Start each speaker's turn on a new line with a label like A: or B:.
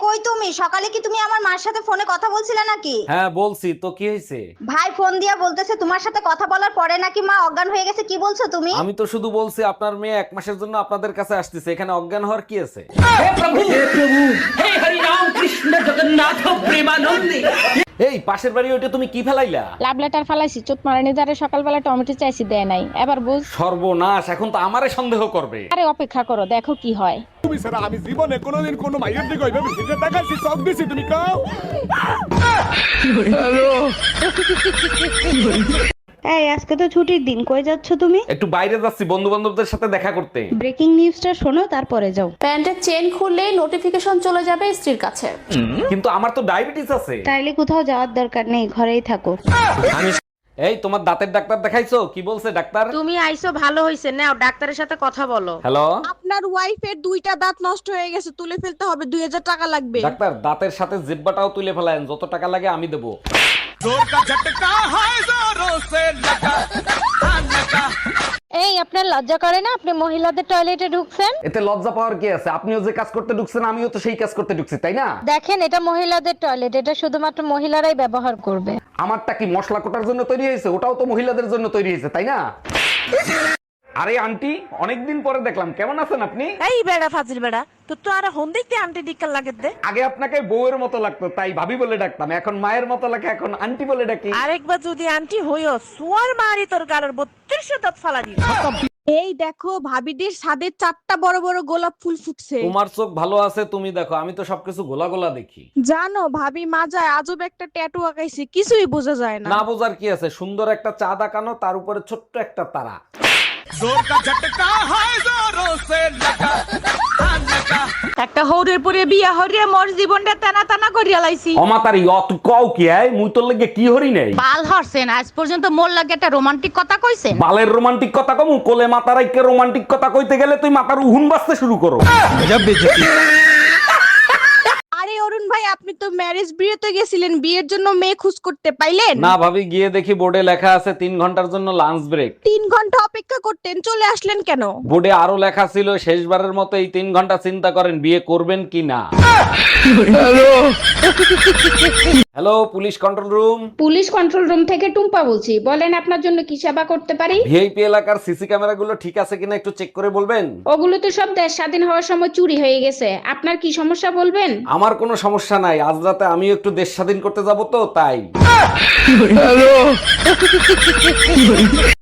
A: কই তুমি? সকালে কি তুমি আমার মার সাথে ফোনে কথা বলছিলে নাকি?
B: হ্যাঁ বলছি তো, কি হয়েছে?
A: ভাই ফোন দিয়া বলতেছে তোমার সাথে কথা বলার পরে নাকি মা অজ্ঞান হয়ে গেছে। কি বলছো তুমি?
B: আমি তো শুধু বলছি আপনার মেয়ে 1 মাসের জন্য আপনাদের কাছে আসতেছে, এখানে অজ্ঞান হওয়ার কি আছে? এই পাশের বাড়ি ওইটা তুমি কি ফেলাইলা?
C: লাভ লেটার ফালাইছি, চোট মারানি দ্বারা সকালবেলা টমেটো চাইছি, দেয় নাই। এবার বুঝ।
B: সর্বনাশ, এখন তো আমারে সন্দেহ করবে।
C: আরে অপেক্ষা করো, দেখো কি হয়।
D: তুমি ছাড়া আমি জীবনে কোনোদিন কোনো মাইয়ের দিকে ওইভাবে ফিরে তাকাইছি, চোখ দিছি, তুমি কাও।
E: এই আজকে তো ছুটির দিন, কই যাচ্ছ তুমি?
B: একটু বাইরে যাচ্ছি বন্ধু বান্ধবদের সাথে দেখা করতে।
E: ব্রেকিং নিউজটা শোনো, তারপরে যাও।
F: প্যান্টের চেন খুললেই নোটিফিকেশন চলে যাবে স্ত্রীর কাছে।
B: কিন্তু আমার তো ডায়াবেটিস আছে।
E: তাইলে কোথাও যাওয়ার দরকার নেই, ঘরেই থাকো।
B: এই তোমার দাঁতের ডাক্তার দেখাইছো? কি বলছে ডাক্তার?
G: তুমি আইছো ভালো হইছে, নাও ডাক্তারের সাথে কথা বলো।
B: হ্যালো
G: আপনার ওয়াইফের 2টা দাঁত নষ্ট হয়ে গেছে, তুলে ফেলতে হবে, 2000 টাকা লাগবে।
B: ডাক্তার, দাঁতের সাথে জিহ্বাটাও তুলে ফেলায়েন, যত টাকা লাগে আমি দেবো।
C: এই আপনার লজ্জা করে না? আপনি মহিলাদের টয়লেটে ঢুকছেন।
B: এতে লজ্জা পাওয়ার কি আছে? আপনিও যে কাজ করতে ঢুকছেন আমিও তো সেই কাজ করতে ঢুকছি, তাই না?
C: দেখেন, এটা মহিলাদের টয়লেট, এটা শুধুমাত্র মহিলারাই ব্যবহার করবে।
B: আমারটা কি মশলা কোটার জন্য তৈরি হয়েছে? ওটাও তো মহিলাদের জন্য তৈরি হয়েছে, তাই না? আরে আন্টি, অনেকদিন পরে দেখলাম, কেমন আছেন আপনি?
G: এই বেড়া ফাজিল বেড়া, তো আর হন দেখতে আন্টি ডিক্কার লাগে দে।
B: আগে আপনাকে বউয়ের মতো লাগতো, তাই ভাবি বলে ডাকতাম, এখন মায়ের মতো লাগে, এখন আন্টি বলে ডাকি।
G: আরেকবার যদি আন্টি হইও, সোয়ার মারি তোর গালের 32 দাঁত ফালা দিই। এই দেখো, ভাবিদের ছাদে 4টা বড় বড় গোলাপ ফুল ফুটছে।
B: তোমার চোখ ভালো আছে, তুমি দেখো, আমি তো সবকিছু গোলা গোলা দেখি।
G: জানো ভাবি মাজায় আজব একটা ট্যাটু আঁকাইছে, কিছুই বোঝা যায় না।
B: না বোঝার কি আছে? সুন্দর একটা চাঁদ আঁকানো, তার উপরে ছোট্ট একটা তারা।
G: একটা হৌরের পরে বিয়া হরিয়া মোর জীবনটা টানা টানা করিয়া লাইছি।
B: অমাতারি অত কও কি আয়? মুই তোর লাগে কি হরি নাই?
G: বাল হরছেন, আজ পর্যন্ত মোর লাগে একটা রোমান্টিক কথা কইছে?
B: বালের রোমান্টিক কথা কমু? কোলে মাথা রাইকে রোমান্টিক কথা কইতে গেলে তুই মাথার উহুন বাজতে শুরু করো।
G: আরে অরুণ ভাই, আপনি তো ম্যারেজ বিয়েতে গেছিলেন, বিয়ের জন্য মেয়ে খোঁজ করতে পাইলেন?
B: না ভাবি, গিয়ে দেখি বোর্ডে লেখা আছে 3 ঘন্টার জন্য লাঞ্চ ব্রেক।
G: 3 ঘন্টা অপেক্ষা করতেন, চলে আসলেন কেন?
B: বোর্ডে আরো লেখা ছিল শেষবারের মতো এই 3 ঘন্টা চিন্তা করেন বিয়ে করবেন কি না। Hello, police control room.
C: Police control room থেকে টুম্পা বলছি, বলেন আপনার জন্য কি সেবা করতে পারি?
B: ভিআইপি এলাকার সিসি ক্যামেরাগুলো ঠিক আছে কিনা একটু চেক করে বলবেন?
C: ওগুলো তো সব দেশ স্বাধীন হওয়ার সময় চুরি হয়ে গেছে, আপনার কি সমস্যা বলবেন?
B: আমার কোনো সমস্যা নাই, আজ রাতে আমিও একটু দেশ স্বাধীন করতে যাব তো, তাই।